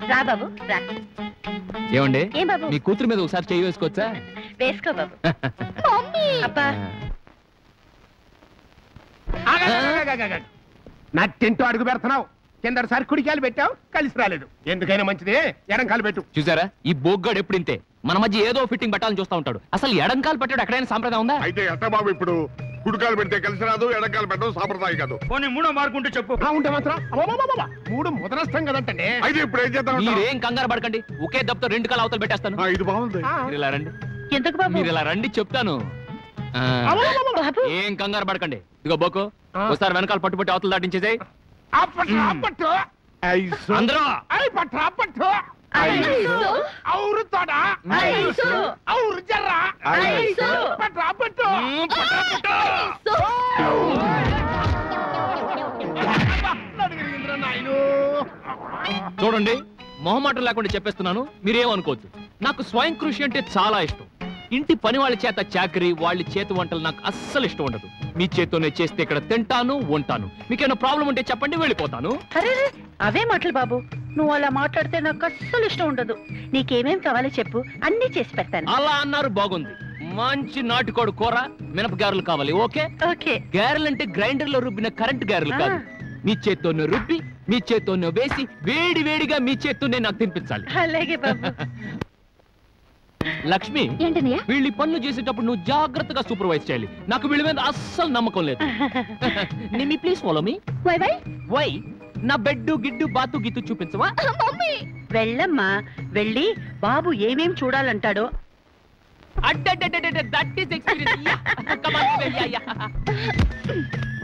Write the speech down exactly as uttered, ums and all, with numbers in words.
రా బాబు రా. ఏమండి ఏం బాబు? మీ కూతురు మీద ఒకసారి చెయ్యి వేసుకోవచ్చా? వేసుకో బాబు. అబ్బా నా టెంట్ అడుగు పెడుతున్నావు. కిందసారి కుడికాయలు పెట్టావు, కలిసి రాలేదు. ఎందుకైనా మంచిది ఎడంకాలు పెట్టు. చూసారా ఈ బోగ్గాడు ఎప్పుడు ఇంతే, మన మధ్య ఏదో ఫిట్టింగ్ పెట్టాలని చూస్తా ఉంటాడు. అసలు ఎడంకాలు పెట్టాడు ఎక్కడైనా సాంప్రదాయం ఉందా? అయితే ఎట్ట బాబు ఇప్పుడు కుడికాలు పెడితే కలిసి రాదు, ఎడంకాలు పెట్టడం సాంప్రదాయం కాదు. పోనీ మూడో మార్కుంటే చెప్పు. ఉంటే మాత్రం అబ్బబ్బబ్బబ్బ, మూడు ముదరస్తాం కదంటే. అయితే ఇప్పుడు ఏం చేద్దాం? మీరేం కంగారు పడకండి, ఒకే దెబ్బతో రెండు కాలు అవతలు పెట్టేస్తాను. ఇది బాగుంది. మీరు ఇలా రండి, ఎందుకు బాబు? మీరు ఇలా రండి చెప్తాను. ఆ, బాబు ఏం కంగారు పడకండి. ఇదిగో బోకు, ఒకసారి వెనకాల పట్టుబట్టి అవతలు దాటించేసాయి. అందరూ ఔరు తోడ ఔరు జర్ర పట్రా పట్టు. చూడండి మొహమాటం లేకుండా చెప్పేస్తున్నాను, మీరేమనుకోవద్దు. నాకు స్వయం కృషి అంటే చాలా ఇష్టం. ఇంటి పని వాళ్ళ చేత చాకరీ, వాళ్ళ చేతి వంటలు నాకు అస్సలు ఇష్టం ఉండదు. మీ చేత్తోనే చేస్తే ఇక్కడ తింటాను, ఉంటాను. మీకేమైనా ప్రాబ్లం ఉంటే చెప్పండి, వెళ్ళిపోతాను. అరే అవే మాటలు బాబు, నువ్వు అలా మాట్లాడితే నాకు అస్సలు ఇష్టం ఉండదు. నీకేమేం కావాలో చెప్పు, అన్ని చేసి పెడతాను. అలా అన్నారు బాగుంది. మంచి నాటుకోడు కూర, మినప గారెలు కావాలి. Okay okay. గారెలు అంటే గ్రైండర్ లో రుబ్బిన కరెంట్ గారెలు కాదు. మీ చేత్తోనే రుబ్బి, మీ చేత్తోనే వేసి, వేడి వేడిగా మీ చేత్తోనే నాకు తినిపించాలి. అలాగే బాబు. లక్ష్మి, వీళ్ళ పనులు చేసేటప్పుడు నువ్వు జాగ్రత్తగా సూపర్వైజ్ చేయాలి. నాకు వీళ్ళ మీద అస్సలు నమ్మకం లేదు. Nimmi please follow me. Why why why నా బెడ్డు గిడ్డు బాతు గీతు చూపించవా? వెళ్ళమ్మా, వెళ్ళి బాబు ఏమేం చూడాలంటాడో. That is experience.